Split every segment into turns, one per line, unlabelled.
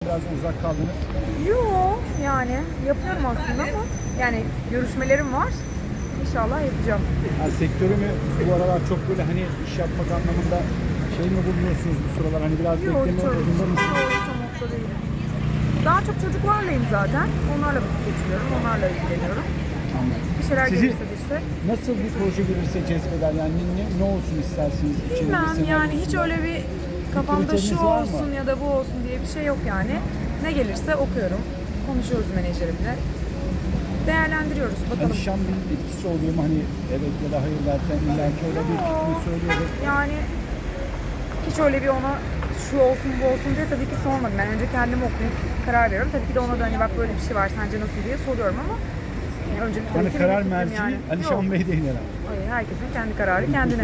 biraz uzak kaldınız.
Yo, yani yapıyorum aslında ama yani görüşmelerim var. İnşallah yapacağım.
Yani sektörü mü bu aralar çok böyle hani iş yapmak anlamında şey mi bulunuyorsunuz bu sıralar? Hani biraz
Yok,
bekleme modunda mısınız?
hiç o mutlu değilim. Daha çok çocuklarlayım zaten. Onlarla vakit geçiriyorum, onlarla ilgileniyorum. Bir şeyler
Sizi
gelirse de işte.
nasıl bir proje gelirse cezbeder? Yani ne olsun istersiniz?
Bilmem
İçinde,
yani hiç öyle bir kafamda şu
kriteriniz var mı?
olsun ya da bu olsun diye bir şey yok yani. Ne gelirse okuyorum. Konuşuyoruz menajerimle. Değerlendiriyoruz bakalım.
Alişan bir etkisi oluyor mu? Hani evet ya da hayır derken illaki öyle bir fikrini söylüyordu.
Yani hiç öyle bir ona şu olsun bu olsun diye tabii ki sormadım. Ben önce kendimi okuyup karar veriyorum. Tabii ki de ona da hani bak böyle bir şey var sence nasıl diye soruyorum ama yani önce tabii
Hani
ki
karar
benim fikrim
merci
Yok.
Alişan Bey değil herhalde.
Hayır, herkesin kendi kararı kendine.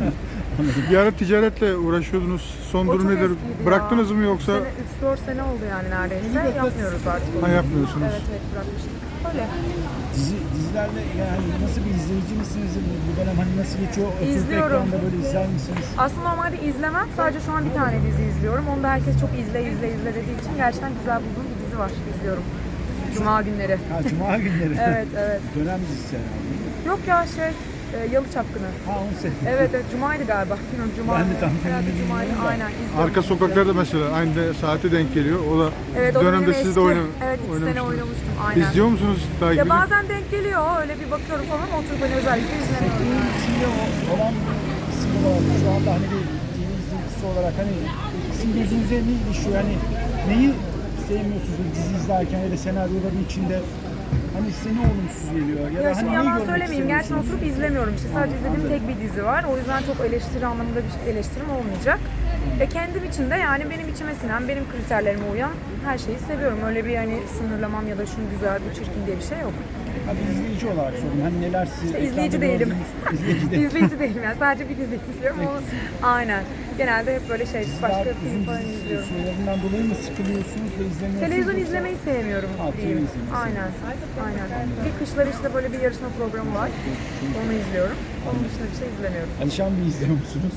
Bir ara ticaretle uğraşıyordunuz. Son
O
durum
çok
nedir?
eskiydi
Bıraktınız
ya.
mı yoksa
3-4 sene oldu yani neredeyse. Yapmıyoruz artık.
ha, yapmıyorsunuz?
Evet bırakmıştık. Öyle.
Dizilerle yani nasıl bir izleyici misiniz? Bu dönem hani nasıl geçiyor? Oturup
İzliyorum.
ekranda böyle izler misiniz?
Aslında normalde izlemem. Sadece şu an bir tane dizi izliyorum. Onu da herkes çok izle dediği için gerçekten güzel bulduğum bir dizi var. İzliyorum. Cuma günleri.
Ha Cuma günleri.
Evet.
Dönem dizisi herhalde.
Yok ya Yalı Çapkını.
Ha onu sevdim.
Evet Cuma'ydı galiba. Bilmiyorum Cuma.
Ben de tam
Herhalde
emin
Cuma'ydı.
değilim de.
Aynen izliyorum.
Arka sokaklarda mesela aynı saate denk geliyor. O da
Evet, o da
dönemde
benim
siz de
eski. Evet 2 sene
oynamıştınız.
oynamıştım. Aynen.
İzliyor musunuz? Takip
Ya
ediyor
bazen denk geliyor. Öyle bir bakıyorum falan ama oturup hani özellikle izlemiyorum.
Sektörün içinde olan bir kısım olarak şu anda hani bir TV izleyicisi olarak hani sizin gözünüze ne ilişiyor? Hani neyi sevmiyorsunuz bu dizi izlerken ya da senaryoda bir içinde hani size ne olumsuz geliyor? Ya,
Ya
da
şimdi
hani neyi
yalan
görmek
söylemeyeyim. Gerçekten
istemiyorsunuz?
oturup izlemiyorum işte. Sadece izlediğim tek bir dizi var. O yüzden çok eleştiri anlamında bir eleştirim olmayacak. Ve kendim için de yani benim içime sinen, benim kriterlerime uyan her şeyi seviyorum. Öyle bir hani sınırlamam ya da şunu güzel, bu çirkin diye bir şey yok.
Hadi izleyici olarak sorun. Hani neler siz
İşte
ekranda
izleyici değilim.
gördüğünüz- İzleyici değil.
İzleyici değilim yani. Sadece bir dizi izliyorum. Aynen. Genelde hep böyle başka
Uzun
film falan
dizi
izliyorum.
sürelerinden dolayı mı sıkılıyorsunuz ve izlemiyorsunuz?
Televizyon
yoksa-
izlemeyi sevmiyorum
Ha,
diyeyim.
televizyon izlemeyi.
Aynen. Bir kışları işte böyle bir yarışma programı var. Onu izliyorum. Onun dışında bir şey izlemiyorum.
Alişan Bey izliyor musunuz?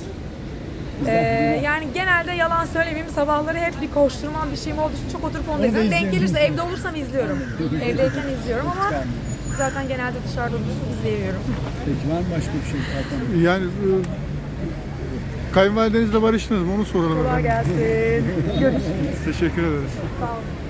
Yani genelde yalan söylemeyeyim sabahları hep bir koşturmam bir şeyim olduğu için çok oturup onu
Onu da
izliyorum. Denk
izleyelim.
gelirse evde olursam izliyorum. Evdeyken izliyorum ama zaten genelde dışarıda olursam izleyemiyorum.
Peki var mı başka bir şey? Hakan?
Yani kayınvalidenizle barıştınız mı? Onu soralım
Kolay
efendim.
gelsin. Görüşürüz.
Teşekkür ederiz.
Sağ olun.